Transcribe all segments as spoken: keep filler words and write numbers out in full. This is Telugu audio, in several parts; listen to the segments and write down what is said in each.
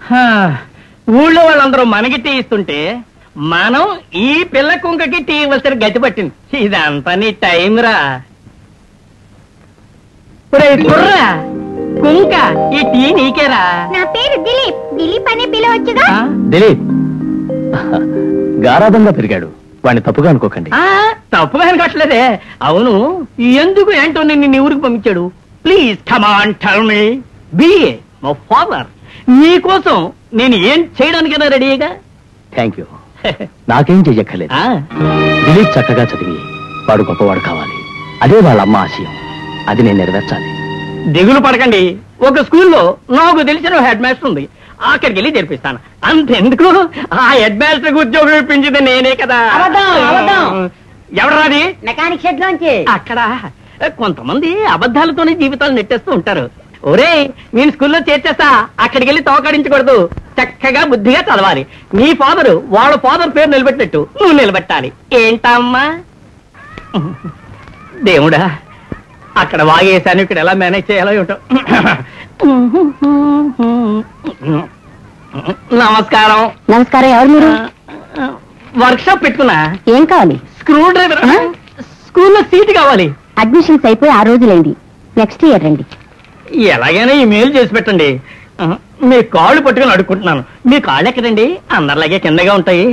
ఊళ్ళో వాళ్ళందరూ మనకి టీ ఇస్తుంటే మనం ఈ పిల్ల కుంకకి టీ ఇవ్వాల్సిన గతి పట్టింది. ఇదంతా నీ టైం రా. కుర్రా కుంక, ఈ టీ నీకేరా. నా పేరు దిలీప్. దిలీప్ అనే పిలవచ్చుగా. దిలీప్ గారాబంగా పెరిగాడు, వాడిని తప్పుగా అనుకోకండి. తప్పుగా అనుకోవట్లేదే. అవును, ఎందుకు ఏంటో నిన్ను ఊరికి పంపించాడు? Please come on tell me. Be a my father, నీకోసం నేను ఏం చేయడానికైనా రెడీగా. Thank you. నాకేం చెయ్యక్కర్లేదు. దిలీప్ చక్కగా చదివి వాడు గొప్పవాడు కావాలి, అదే వాళ్ళ అమ్మ ఆశయం. అది నేను నెరవేర్చాలి. దిగులు పడకండి, ఒక స్కూల్లో నాకు తెలిసిన హెడ్ మాస్టర్ ఉంది, అక్కడికి వెళ్ళి జరిపిస్తాను. అంతెందుకు, ఆ హెడ్ మాస్టర్ ఉద్యోగం ఇప్పించింది నేనే కదా. ఎవరాది? మెకానిక్ షెడ్ లోంచి. అక్కడ కొంతమంది అబద్ధాలతోనే జీవితాలు నెట్టేస్తూ ఉంటారు. ఒరే, నేను స్కూల్లో చేర్చేస్తా, అక్కడికి వెళ్ళి తోకడించకూడదు, చక్కగా బుద్ధిగా చదవాలి. నీ ఫాదరు వాళ్ళ ఫాదర్ పేరు నిలబెట్టినట్టు నువ్వు నిలబెట్టాలి. ఏంటమ్మా? దేవుడా, అక్కడ వాగేశాను, ఇక్కడ ఎలా మేనేజ్ చేయాలో ఏమిటో. నమస్కారం. నమస్కారం. ఎవరు మీరు? వర్క్ షాప్ పెట్టుకున్నా. ఏం కావాలి? Screwdriver. స్కూల్లో సీట్ కావాలి. అడ్మిషన్స్ అయిపోయి ఆ రోజులైంది, నెక్స్ట్ ఇయర్ రండి. ఎలాగైనా ఈ మెయిల్ చేసి పెట్టండి. మీ కాళ్ళు పట్టుకుని అడుక్కుంటున్నాను. మీ కాళ్ళు ఎక్కడండి? అందరిలాగే కిందగా ఉంటాయి.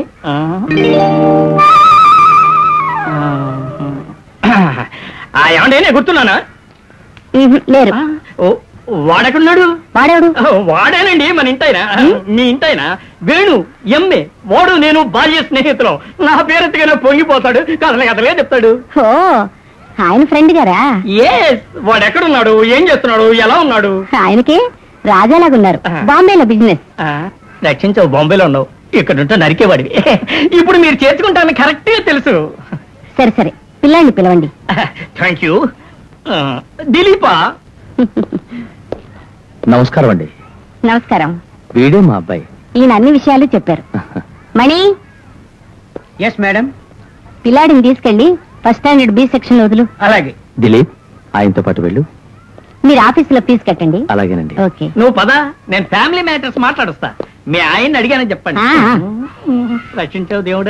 ఏమండి, నేను గుర్తున్నానా? లేరు. వాడెక్కడున్నాడు? వాడేవాడు? వాడేనండి, మన ఇంటాయన. మీ ఇంటాయన వేణు ఎంఏ. వాడు నేను బాల్య స్నేహితులు. నా పేరెత్తుగా పొంగిపోతాడు, కథలే కథలే చెప్తాడు. ఓ, ఆయన ఫ్రెండ్ గారా? ఎస్. వాడు ఎక్కడున్నాడు, ఏం చేస్తున్నాడు, ఎలా ఉన్నాడు? ఆయనకి రాజాలాగున్నారు, బాంబేలో బిజినెస్. రక్షించవు, బాంబేలో ఉన్నావు, ఇక్కడ ఉంటే నరికేవాడివి. ఇప్పుడు మీరు చేర్చుకుంటాను కరెక్ట్ గా తెలుసు. సరే సరే, పిల్లాన్ని పిలవండి. Thank you. దిలీపా? నమస్కారం అండి. నమస్కారం. వీడే మా అబ్బాయి. ఈయన అన్ని విషయాలు చెప్పారు. మణి. Yes madam. పిల్లాడిని తీసుకెళ్ళి ఫస్ట్ స్టాండర్డ్ బి సెక్షన్ వదులు. అలాగే. దిలీప్, ఆయనతో పాటు వెళ్ళు. మీరు ఆఫీసులో ఫీజు కట్టండి. అలాగేనండి. ఓకే. నువ్వు పద, నేను ఫ్యామిలీ మ్యాటర్స్ మాట్లాడుస్తా. మీ ఆయన అడిగానని చెప్పండి. రక్షించావు దేవుడు.